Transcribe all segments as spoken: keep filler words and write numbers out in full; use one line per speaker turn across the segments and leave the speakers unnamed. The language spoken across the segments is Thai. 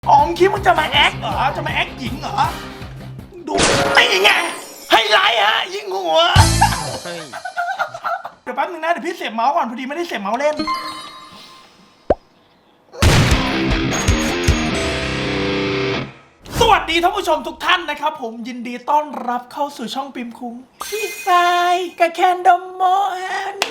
อ๋อมคิดมึงจะมาแอคเหรอจะมาแอคหญิงเหรอดูตีไงให้ไลท์ฮะยิงหัวเดี๋ยวแป๊บนึงนะเดี๋ยวพี่เสียบเมาส์ก่อนพอดีไม่ได้เสียบเมาส์เล่นสวัสดีท่านผู้ชมทุกท่านนะครับผมยินดีต้อนรับเข้าสู่ช่องปิมคุ้งพี่สายกับแคนดมโมฮัน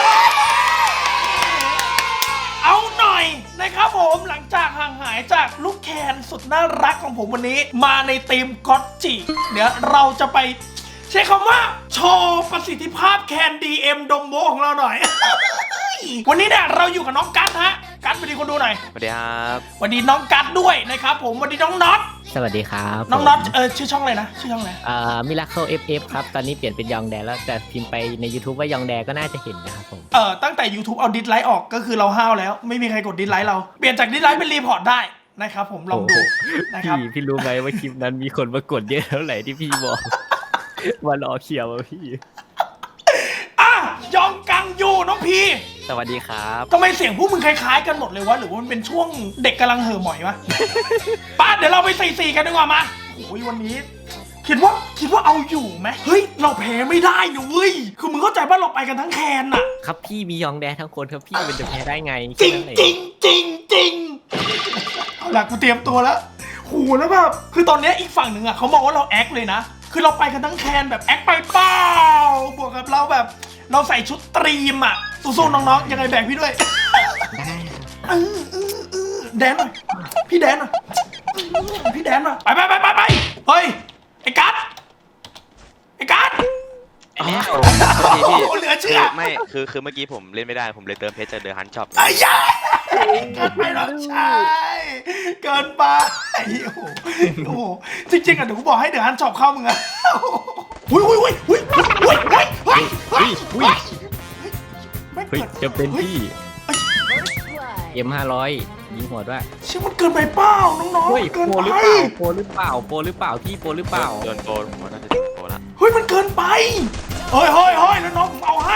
เอาหน่อยนะครับผมหลังจากห่างหายจากลูกแคนสุดน่ารักของผมวันนี้มาในธีมก็อตจิเดี๋ยวเราจะไปใช้คำว่าโชว์ประสิทธิภาพแคน ดี เอ็ม ดมโมของเราหน่อย วันนี้เนี่ยเราอยู่กับน้องกัสฮะกัสสวัสดีคนดูหน่อย
สวัสดีครับ
สวัสดีน้องกัสด้วยนะครับผมสวัสดีน้องน็อต
สวัสดีครับ
น้องน็อตเออชื่อช่องอะไรนะชื่อช่องอะไร
อ่ามิราเคิล เอฟ เอฟ ครับตอนนี้เปลี่ยนเป็นยองแดแล้วแต่พิมพ์ไปใน YouTube ว่ายองแดก็น่าจะเห็นนะครับผม
เออตั้งแต่ YouTube เอาดิสไลค์ออกก็คือเราห้าวแล้วไม่มีใครกดดิสไลค์เราเปลี่ยนจากดิสไลค์เป็นรีพอร์ตได้นะครับผมลองดูนะครับ
พี่พี่รู้ไหมว่าคลิปนั้นมีคนมากดเยอะเท่าไหร่ที่พี่บอก มารอเขียวอ่ะพี่
อ่ะยองกังยูน้องพี
สวัสดีครับ
ทำไมเสียงพวกมึงคล้ายๆกันหมดเลยวะหรือว่ามันเป็นช่วงเด็กกำลังเห่อหมอยวะ ป้าเดี๋ยวเราไปใส่สีกันดีกว่ามาโอ้ยวันนี้คิดว่าคิดว่าเอาอยู่ไหมเฮ้ยเราแพ้ไม่ได้นะเว้ยคือมึงเข้าใจว่าเราไปกันทั้งแคนน่ะ
ครับพี่มียองแดทั้งคนครับพี่เป็นจะแพ้ได้ไง
จริงจริงจริงจริงเอาล่ะกูเตรียมตัวแล้วโหแล้วแบบคือตอนนี้อีกฝั่งหนึ่งอ่ะเขามองว่าเราแอคเลยนะคือเราไปกันทั้งแคนแบบแอคไปเปล่าบวกกับเราแบบเราใส่ชุดตรีมอ่ะสู้ๆน้องๆยังไงแบ่งพี่ด้วย
ได้
เออเออเออแดนหน่อยพี่แดนหน่อยพี่แดนหน่อยไปไปไปไปไปเฮ้ยไอ้กัสไอ้กัส
อ๋อ
พี่เหลือเชื่อ
ไม่คือคือเมื่อกี้ผมเล่นไม่ได้ผมเลยเติมเพชรจากเดอะฮันช็อป
ไอ้ยาเกินไปหรอกใช่เกินไปโอ้โหจริงๆอ่ะเดี๋ยวกูบอกให้เดอะฮันช็อปเข้ามึงอ่ะหุ้ยหุ้ยหุ้ยหุ้ยหุ้ยหุ้ยหุ้ยหุ้ยหุ้ย
เฮ้ยจะเป็นพี่เอ็มห้าร้อยยิงหัวด้วย
ชิมันเกินไปเปล่าน้องๆเกินไป
โปรหรือเปล่าโปรหรือเปล่าพี่โปรหรือเปล่า
โดนโปรผมว่าน่าจะโปรละ
เฮ้ยมันเกินไปเฮ้ยเฮ้ยเฮ้ยแล้วน้องผมเอาให้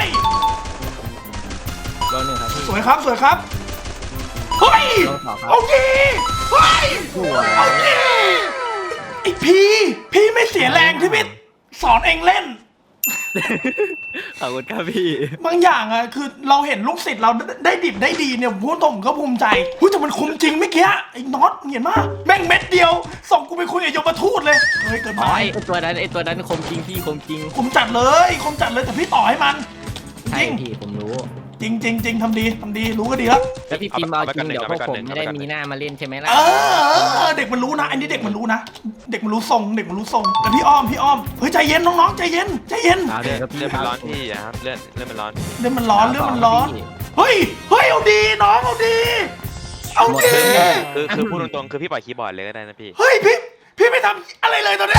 โดนหนึ่งครับพี่
สวยครับสวยครับเฮ้ยโอเคเฮ้ยโอเคไอพี่พี่ไม่เสียแรงที่พี่สอนเองเล่น
ขอบคุณครับพี่
บางอย่างอะคือเราเห็นลูกศิษย์เราได้ดิบได้ดีเนี่ยพูดตรงก็ภูมิใจพูดแต่มันคุ้มจริงไม่เกี้ยไอ้น็อตเห็นมากแม่งเม็ดเดียวส่งกูไปคุยกับยมทูตเลยเฮ้ยเกิดมา
ไอ้ตัวนั้นไอ้ตัวนั้นคมจริงพี่คมจริง
คมจัดเลยคมจัดเลยแต่พี่ต่อให้มัน
ใช่พี่ผมรู้
จริงจริงจริงทำดีทำดีรู้ก็ดีแล้ว
แล้วพี่พิมพ์เอาจริงเดี๋ยวพวกผมไม่ได้มีหน้ามาเล่นใช่ไหมล่ะ
เออเด็กมันรู้นะอันนี้เด็กมันรู้นะเด็กมันรู้ทรงเด็กมันรู้ทรงแต่พี่อ้อมพี่อ้อมเฮ้ยใจเย็นน้องๆใจเย็นใจเย็น
เลื่อนมันร้อนพี่ครับเลื่อนเลื่อนมันร้อน
เลื่อนมันร้อนเลื่อนมันร้อนเฮ้ยเฮ้ยเอาดีน้องเอาดีเอาดี
คือคือพูดตรงๆคือพี่ปล่อยคีย์บอร์ดเลยก็ได้นะพี่
เฮ้ยพี่พี่ไม่ทำอะไรเลยตอนเนี้ย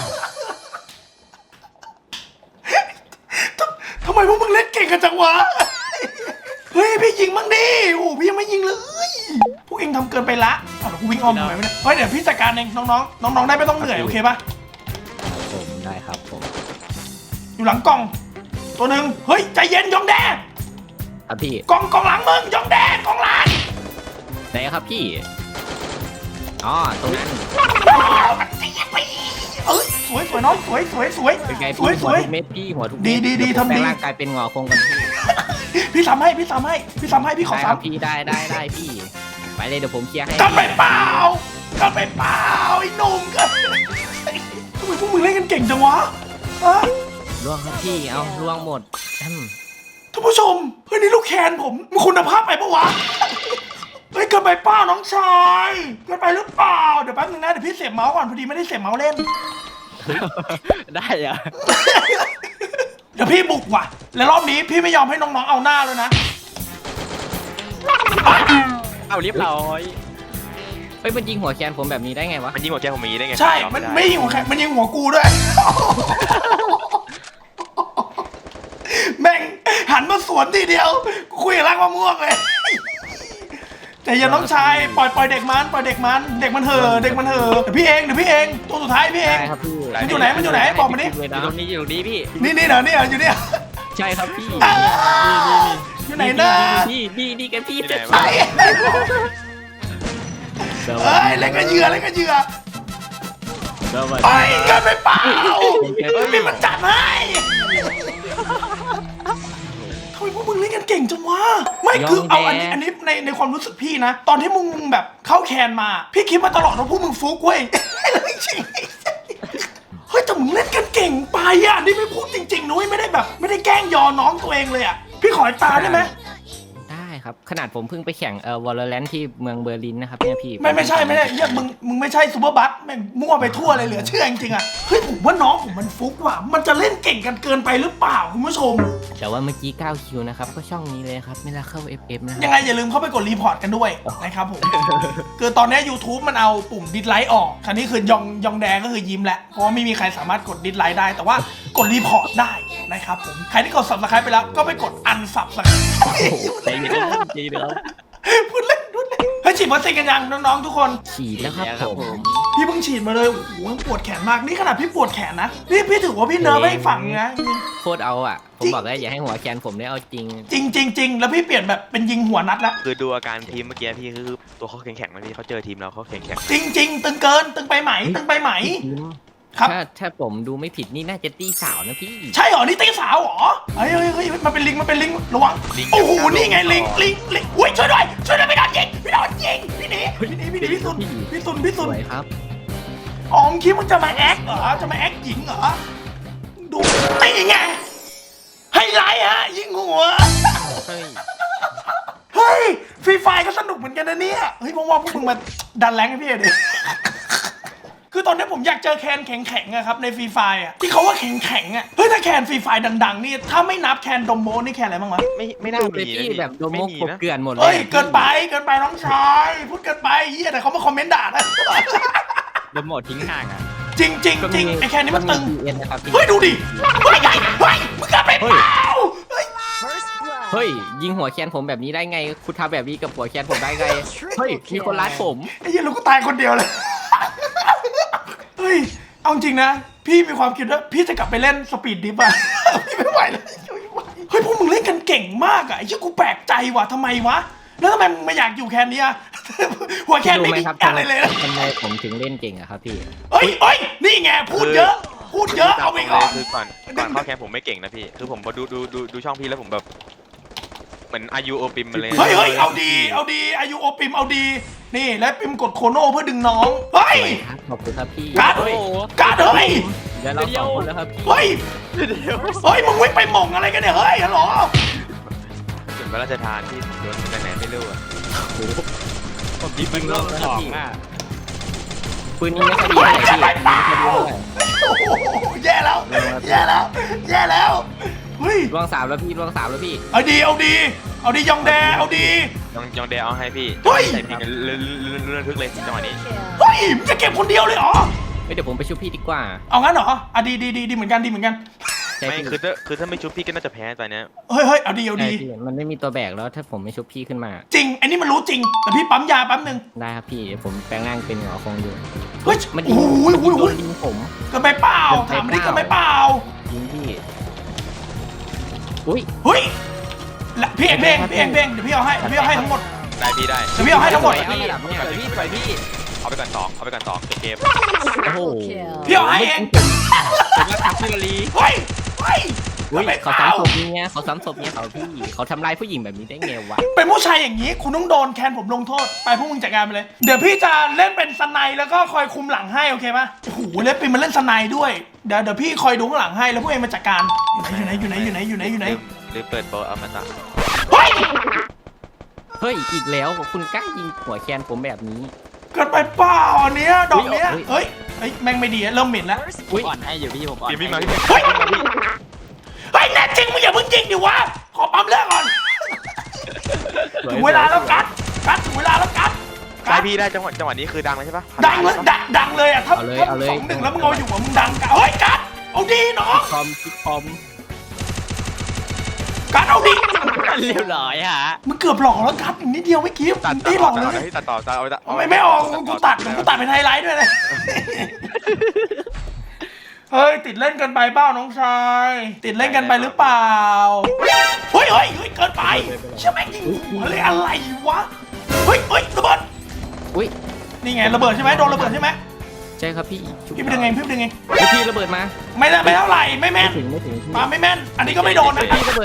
ทำไมพวกมึงเล่นเก่งกันจังวะเฮ้ยพี่ยิงมั่งดิโอ้พี่ยังไม่ยิงเลยพวกเองทำเกินไปละอ้าวกูวิ่งอ้อมทำไมไม่ได้เฮ้ยเดี๋ยวพี่จัดการเองน้องๆน้องๆได้ไม่ต้องเหนื่อยโอเคปะ
ผมได้ครับผม
อยู่หลังกล่องตัวหนึ่งเฮ้ยใจเย็นยองแดง
ครับพี่
กล่องกล่องหลังมึงยองแดงกล่องหลัง
ไหนครับพี่อ๋อตรงนั้น
เอ้ยสวยสวยน้องสวยสวยสวย
เป็นไง
สวยสวย
เม็ดพี่หัวทุก
ดีดีดีทำดี
ร่างกายเป็นหงอคงกันพี่
พี่ทำให้พี่ทำให้พี่ทำให้พี่ขอซ้
ำพี่ได้ได้ได้พี่ไปเลยเดี๋ยวผมเคลียร์ให้
กันไปเปล่ากันไปเปล่าไอ้หนุ่มกันทำไมพวกมึงเล่นกันเก่งจังวะ
ล่วงครับพี่เอาล่วงหมด
ท่านผู้ชมเฮ้ยนี่ลูกแคนผมมันคุณภาพไปปะวะเฮ้ยเกินไปเปล่าน้องชายเกินไปหรือเปล่าเดี๋ยวแป๊บนึงนะเดี๋ยวพี่เสียบเมาส์ก่อนพอดีไม่ได้เสียบเมาส์เล่น
ได้อะ
เดี๋ยวพี่บุกว่ะแล้วรอบนี้พี่ไม่ยอมให้น้องๆเอาหน้าแล้วนะ
เอาเรียบร้อยเฮ้ยมันยิงหัวแคนผมแบบนี้ได้ไงวะ
มันยิงหัวแคนผมมีได้ไง
ใช่มันไม่ยิงหัวแคนมันยิงหัวกูด้วยแม่งหันมาสวนทีเดียวคุยกับรักมะม่วงเลยแต่อย่าน้องชายปล่อยปล่อยเด็กมันปล่อยเด็กมันเด็กมันเห่อเด็กมันเห่อเดี๋ยวพี่เองเดี๋ยวพี่เองตัวสุดท้ายพี่เองมันอยู่ไหนมันอยู่ไหนบอกมาดิ
อยู่ตรงนี้อยู่ตรงนี้พี่
นี่นี่เหรอนี่เหรออยู่นี่
ใช่ครับพี่
อยู่ไหนนะ
นี่นี่นี่แกพี่
ใช่เฮ้ยเล่นกับเหยื่อเล่นกับเหยื่อ
สวัสดี
ไอ้ยเกินไปเปล่าพี่มันจัดให้ทำไมพวกมึงเล่นกันเก่งจังวะไม่คือเอาอันนี้อันนี้ในในความรู้สึกพี่นะตอนที่มึงแบบเข้าแคนมาพี่คิดมาตลอดว่าพวกมึงฟุกเว้ยจริงเฮ้ยแต่มึงเล่นกันเก่งไปอ่ะนี่ไม่พูดจริงๆนุ้ยไม่ได้แบบไม่ได้แกล้งยอน้องตัวเองเลยอ่ะพี่ขอตาได้ไหม
ได้ครับขนาดผมเพิ่งไปแข่งเอ่อวอลเลนที่เมืองเบอร์ลินนะครับเนี่ยพี่
ไม่ไม่ใช่ไม่ใช่เหี้ยมึงมึงไม่ใช่ซูเปอร์บัสแม่งมั่วไปทั่วเลยเหลือเชื่อจริงๆอ่ะเฮ้ยผมว่าน้องผมมันฟุกว่ะมันจะเล่นเก่งกันเกินไปหรือเปล่าคุณผู้ชม
แต่ว่าเมื่อกี้เก้าคิวนะครับก็ช่องนี้เลยครับไม่ละเข้า เอฟ เอฟ นะค
ยั
รับ
งไงอย่าลืมเข้าไปกดรีพอร์ตกันด้วยนะครับผม คือตอนนี้ YouTube มันเอาปุ่มดิสไลค์ออกคราวนี้คือยองยองแดงก็คือยิ้มแหละเพราะว่าไม่มีใครสามารถกดดิสไลค์ได้แต่ว่ากดรีพอร์ตได้นะครับผมใครที่กด Subscribe ไปแล้วก็ไปกดอันสับสไคร
ใจเย็นครับใจเย็นครับ
พูดเล่นพูดเล่นเฮ้ยฉีดวัคซีนกันยังน้องๆทุกคน
ฉีดแล้วครับผม
พี่เพิ่งฉีดมาเลยโอ้โหปวดแขนมากนี่ขนาดพี่ปวดแขนนะนี่พี่ถือว่าพี่เนิร์ฟให้ฝั่งนะ
โคตรเอาอ่ะผมบอกแล้วอย่าให้หัวแคนผมได้เอาจริง
จริงจริงจริงแล้วพี่เปลี่ยนแบบเป็นยิงหัวนัดแล้ว
คือดูอาการทีมเมื่อกี้พี่คือตัวเขาแข็งแข็งๆนะพี่เขาเจอทีมเราเขาแข็งแข็ง
จริงจริงตึงเกินตึงไปไหมตึงไปไหม ครับ
ถ้าถ้าผมดูไม่ผิดนี่น่าจะตีสาวนะพี่
ใช่เหรอนี่ตีสาวเหรอเฮ้ยเฮ้ยเฮ้ยมันเป็นลิงมันเป็นลิงระวังโอ้โหนี่ไงลิงลิงลิงอุ้ยช่วยด้วยช่วยด้วยพี่โดนยิงพี่โดนยิงพี่หนีพี่หนีพี่หนีพี่สุนพี่สุนพี่
ส
สุน
วยครับ
อ๋อมึงคิดมึงจะมาแอคเหรอจะมาแอคหญิงเหรอดูตีไงให้ไลท์ฮะยิงหัว
เฮ้ย
เฮ้ยฟรีไฟก็สนุกเหมือนกันนะเนี่ยเฮ้ยผมว่าพวกมึงมาดันแรงให้พี่หน่อยดิคือตอนนี้ผมอยากเจอแคนแข็งๆอะครับในฟรีไฟอะที่เขาว่าแข็งๆอะเฮ้ยถ้าแคนฟรีไฟดังๆนี่ถ้าไม่นับแคนดมโมนี่แคนอะไรบ้างวะ
ไม่ไม่น่า
ดู
มี
เลย
นะ
พี่
พี่
แบบโดน
ไม่
มก
มี
กบ
นะ
เกลื่อนหมดเลย
เฮ้ย
อะ
เกินไปเกินไปน้องชายพูดเกินไปเฮียแต่เขามาคอมเมนต์ด่านะ
โดนหมดทิ้งห่างอ่ะ
จริงจริงจริงไอ้แคนนี้มันตึง
เอ็นนะครับพี่
เฮ้ยดูดิเฮ้ยใหญ่เฮ้ยมึงเกินไปเปล่าเฮ้ย
เฮ้ยยิงหัวแคนผมแบบนี้ได้ไงคุณทำแบบนี้กับหัวแคนผมได้ไงเฮ้ยมีคนรัดผม
ไอ้เหี้ยลูกกูตายคนเดียวเลย เฮ้ย เอาจริงนะ พี่มีความคิดว่าพี่จะกลับไปเล่นสปีดดิฟอะ พี่ไม่ไหวแล้วเฮ้ยพวกมึงเล่นกันเก่งมากอะไอ้เหี้ยกูแปลกใจว่ะทำไมวะ แล้วทำไมมึงไม่อยากอยู่แคนเนี้ย หัวแคนไม่มี
รู้ห
อะไรเลยนะ
ทำไมผมถึงเล่นเก่งอะครับพี่
เฮ้ยเฮ้ยนี่ไงพูดเยอะ พูดเยอะเอาไปก่อน
คือก่อนก่อนเข้าแคมป์ผมไม่เก่งนะพี่คือผมพอดูดูดูดูช่องพี่แล้วผมแบบเหมือนอายุโอปิมมาเลย
เฮ้ยเฮ้ยเอาดี เอาดี อายุโอปิมเอาดี นี่แล้วปิมกดโคโน่เพื่อดึงน้อง เฮ้ย
ครับขอบคุณครับพี่
การ์ด
โอ้โห
การ์ดเฮ้ย
เดี๋ยวเราสองคนแล้วครับพี่
เฮ้ย เฮ้ย มึงวิ่งไปหม่งอะไรกันเนี่ย เฮ้ยฮัลโหล
ส่วนพระราชทานที่ผมโดนจากไหนไม่รู้อะ
ผมยิงเป็นรอบสองอ่ะปืนนี้ไม่ค่อยดีเท่าไหร่พี่ปืนนี้ไม่ค่อยดีเท่าไหร่
โอ้โหแย่แล้ว แย่แล้ว แย่แล้ว เฮ้ย
ล่วงสามแล้วพี่ล่วงสามแล้วพี่
เอาดี เอาดี เอาดียองแดเอาดี
ยองยองเดเอาให้พี่
เฮ้ย
ใส่พี่กันเลื่อนเลื่อนเลื่อนทึกเลยจังหวะนี้
เฮ้ย มึงจะเก็บคนเดียวเลยเหรอ
เฮ้ยเดี๋ยวผมไปช่วยพี่ดีกว่า
เอางั้นเหรอ อ่ะดีดีดีดีเหมือนกันดีเหมือนกัน
ใช่
ไม่
พี่
คือถ้าคือถ้าไม่ชุบพี่ก็น่าจะแพ้ตอนเนี้ย
เฮ้ยเฮ้ยเอาดี เอา
ใช่
ดี
พี่มันไม่มีตัวแบกแล้วถ้าผมไม่ชุบพี่ขึ้นมา
จริง อันนี้มันรู้จริง แต่พี่ปั๊มยาแป๊บนึง
ได้ครับพี่เดี๋ยวผมแปลงร่างเป็นเหงาคงอยู่
เฮ้ย
มัน
โอ้โห
ยิง
โอ้โห
โดนยิงผม
เกินไปเปล่า ถามมาดิเกินไปเปล่า
ยิงพี่อุ้ย
เฮ้ยและพี่เองพี่เองพี่เองพี่เองเดี๋ยวพี่เอาให้เดี๋ยวพี่เอาให้ทั้งหมด
ได้พี่ได้
เดี๋ยวพี่เอาให้ทั้งหมด
พี่ระดับเนี่ยพี่ปล่อยพี่
เอาไปก่อนสองเอาไปก่อนสองเกม
โอ้โห
พี่เอาให้เอง
ผมว่าทักพี่ละลี
เฮ้ยเฮ้ย
อุ้ย
เกินไป
เขา
เปล่า
ซ้ำศพเนี้ยเขาซ้ำศพเนี้ยเขาพี่เขาทำลายผู้หญิงแบบนี้ได้ไงวะ
เป็นผู้ชายอย่างนี้คุณต้องโดนแคนผมลงโทษไปพวกมึงจัดการไปเลย เดี๋ยวพี่จะเล่นเป็นสไนด์แล้วก็คอยคุมหลังให้โอเคปะโอ้โหเล่นเป็นมาเล่นสไนด์ด้วยเดี๋ยวเดี๋ยวพี่คอยดูข้างหลังให้แล้วพวกเองมาจัดการอยู่ไหนอยู่ไหนอยู่ไหนอยู่ไหนอยู่ไหนอยู่ไหน
หรือเปิดโปรอมตะ
เฮ้ย
เฮ้ยอีกแล้วคุณกล้ายิงหัวแคนผมแบบนี้
เกินไปเปล่าอันเนี้ยดอกเนี้ย
เฮ้ย
เฮ้ยเฮ้ยแม่งไม่ดีอะเริ่มเหม็นแล้ว
อุ้ยอ่อนให้อยู่พี่ผมอ่อน
พี่วิ่งมา
ให้
พี่
เฮ้ย
วิ่งมาพี่
เฮ้ยแน่จริงมึงอย่าเพิ่งยิงดิวะขอปั๊มเลือดก่อนถึงเวลาแล้วกัดกัดถึงเวลาแล้วกัด
ได้พี่ได้จังหวะจังหวะนี้คือดังเลยใช่ปะ
ดังเลยดังดังเลยอ่ะถ้าถ้าสองหนึ่งแล้วมึงเอาอยู่อ่ะมึงดังกัดเฮ้ยกัดเอาดีน้อง
คอมคิดคอม
กัดเอาดี
เรียบร้อยฮะ
มึงเกือบหลอกแล้วกัดอีกนิดเดียวไม่กี้
ตัด
ตีหลอกเลย
พี่ตัดต่อตัดเอาไปตัด
ไม่ไม่ออกกูตัดกูตัดเป็นไฮไลท์ด้วยเลยเฮ้ยติดเล่นกันไปเปล่าน้องชายติดเล่นกันไปหรือเปล่าเฮ้ยเฮ้ยเฮ้ยเกินไปเชื่อแม่งยิงหัวเลยอะไรวะเฮ้ยเฮ้ยระเบิด
อุ้ย
นี่ไงระเบิดใช่ไหมโดนระเบิดใช่ไหม
ใช่ครับพี่
พี่ไปดึงเองพี่ไปดึงเอง
ไอ้พี่ระเบิดมา
ไม่ได้ไม่เท่าไหร่ไม่แม่
ไม่
น
ถึงไม่ถึง
มาไม่แม่น อันนี้ก็ไม่โดนนะ
พี่ระเบิด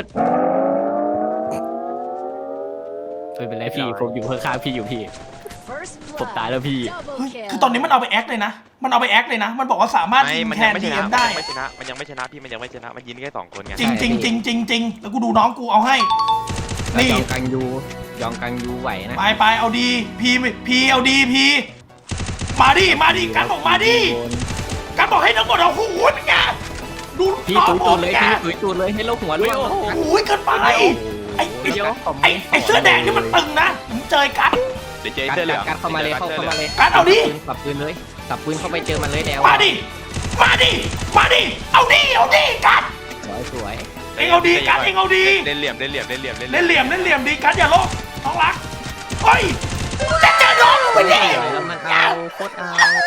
ไม่เป็นไรพี่ผมอยู่ข้างๆพี่อยู่พี่ผมตายแล้วพี่
เฮ้ยคือตอนนี้มันเอาไปแอคเลยนะมันเอาไปแอคเลยนะมันบอกว่าสามารถ
ไม่
ยิง
มัน
แท
ยัง
น
ไม่ช
ดี
นะ
เอ็ม
มัน
ได้
ยังไม่ชนะมันยังไม่ชนะพี่มันยังไม่ชนะมันยิงแค่สองคนไง
จริงจริงจริงจริงจริงแล้วกูดูน้องกูเอาให้ นี่
ยองกังยูยองกังยูไหวนะ
ไปไปเอาดีพีพีเอาดีพีมาดิมาดิกันบอกมาดิกันบอกให้ทั้งหมดเอาหูเป็นไงดู
พี่
น้อง
ตุ้ย
ผ
ตู
ม
ดเลย
ไง
พี่ตุ้ยตูดเลยให้เราหัวร่วง
โอ้ยเกินไปไอ้ไอ้
เดี๋ยวผม
ไอ้ไอ้เสื้อแดงนี่มันตึงนะผมเจอกัน
เดี๋ยวเจ
กัด
เสื้อเหลือง
กัดเข้ามาเลยเข้าเข้ามาเลย
กัดเอาดิ
สับปืนเลยสับปืนเข้าไปเจอมันเลยแล้ว
มาดิมาดิมาดิเอาดิเอาดิกัน
สวยสวย
เองเอาดีกันเองเอาดี
เล่นเหลี่ยมเล่นเหลี่ยมเล่นเหลี่ยมเล่น
เล่นเหลี่ยมเล่นเหลี่ยมดีกันอย่าโลกน้องรักเฮ้ยจะเจอน้องไปดิ
แล้วมันเอาโคตรเอา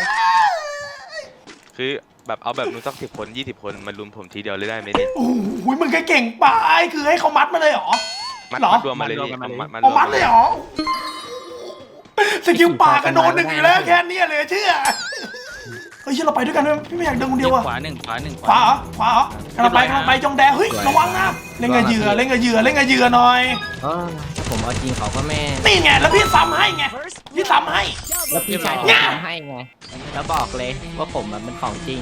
คือแบบเอาแบบนู้นสักสิบคนยี่สิบคนมารุมผมทีเดียวเลยได้ไหมเนี่ย
โอ้โหมึงก็เก่งไปคือให้เขามัดมาเลยเหรอ
มัด
เหรอ
มัดรวมมาเลยพี่มัดมัด
เอามัดเลยเหรอสกิลปากกันโดนหนึ่งอยู่แล้วแค่นี้เลยเชื่อเฮ้ยเราไปด้วยกันด้วยพี่ไม่อยากเดินคนเดียวอะ
ขวาหนึ่งขวาหนึ่ง
ขวาเหรอขวาเหรอกำลังไปกำลังไปจงแดเฮ้ยระวังนะเล่นกับเหยื่อเล่นกับเหยื่อเล่นกับเหยื่อหน่อย
เออถ้าผมเอาจริงเขาก็แม่
นี่ไงแล้วพี่ซ้ำให้ไงพี่ซ้ำให้
แล้วพี่ชายผมทำให้ไงแล้วบอกเลยว่าผมแบบเป็นของจริง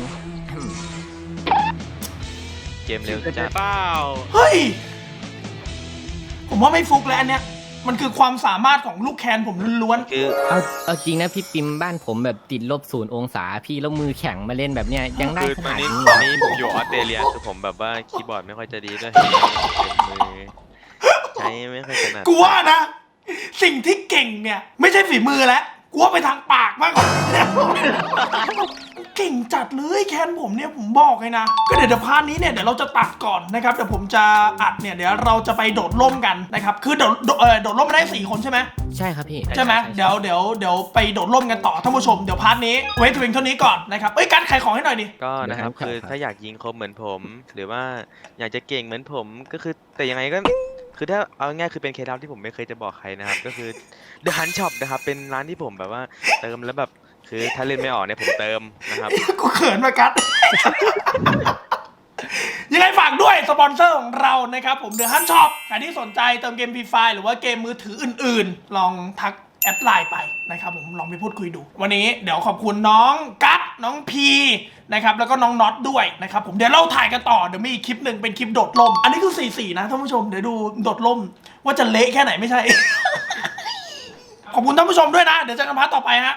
เกมเร็ว
เกิด
จัด
เปล่า
เฮ้ยผมว่าไม่ฟุกแล้วอันเนี้ยมันคือความสามารถของลูกแคนผมล้วน
คือ
เอาเอาจริงนะพี่ปิมบ้านผมแบบติดลบศูนย์องศาพี่แล้วมือแข็งมาเล่นแบบเนี้ยยังได้
คือ
ข
ตอน
นาด
นี้
นี้
ตอนนี้ผมอยู่ออสเตรเลียคือผมแบบว่าคีย์บอร์ดไม่ค่อยจะดีด้วยเจ็บมือใช้ไม่ค่อยถนัด
ๆกูว่านะ สิ่งที่เก่งเนี่ย ไม่ใช่ฝีมือแล้วกูว่าไปทางปากมากกว่า เก่งจัดเลยแคนผมเนี่ยผมบอกเลยนะก็เดี๋ยวเดี๋ยวพาร์ทนี้เนี่ยเดี๋ยวเราจะตัดก่อนนะครับเดี๋ยวผมจะอัดเนี่ยเดี๋ยวเราจะไปโดดร่มกันนะครับคือโดดโดดเออโดดร่มมาได้สี่คนใช่ไหม
ใช่ครับพี่
ใช่ไหมเดี๋ยวเดี๋ยวเดี๋ยวไปโดดร่มกันต่อท่านผู้ชมเดี๋ยวพาร์ทนี้ไว้ถึงเท่านี้ก่อนนะครับเอ้ยการขายของให้หน่อยดิ
ก็นะครับ
เดี๋ยว
คือ
ครับ
ถ้าอยากยิงคมเหมือนผม หรือว่าอยากจะเก่งเหมือนผมก็คือแต่ยังไงก็คือถ้าเอาง่ายคือเป็นเคล็ดลับที่ผมไม่เคยจะบอกใครนะครับก็คือ The Hunt Shop นะครับเป็นร้านที่ผมแบบว่าเติมแล้วแบบคือถ้าเล่นไม่ออกเนี่ยผมเติมนะครับ
กูเขินมากัด ยังไงฝากด้วยสปอนเซอร์ของเรานะครับผมเดอะฮันช็อปใครที่สนใจเติมเกมฟรีไฟหรือว่าเกมมือถืออื่นๆ ลองทักแอดไลน์ไปนะครับผมลองไปพูดคุยดู วันนี้เดี๋ยวขอบคุณน้องกัดน้องพีนะครับแล้วก็น้องน็อตด้วยนะครับผมเดี๋ยวเราถ่ายกันต่อเดี๋ยวมีอีกคลิปหนึ่งเป็นคลิปโดดล่ม อันนี้คือสี่สี่นะท่านผู้ชมเดี๋ยวดูโดดล่มว่าจะเละแค่ไหนไม่ใช่ ขอบคุณท่านผู้ชมด้วยนะเดี๋ยวเจอกันพาร์ทต่อไปฮะ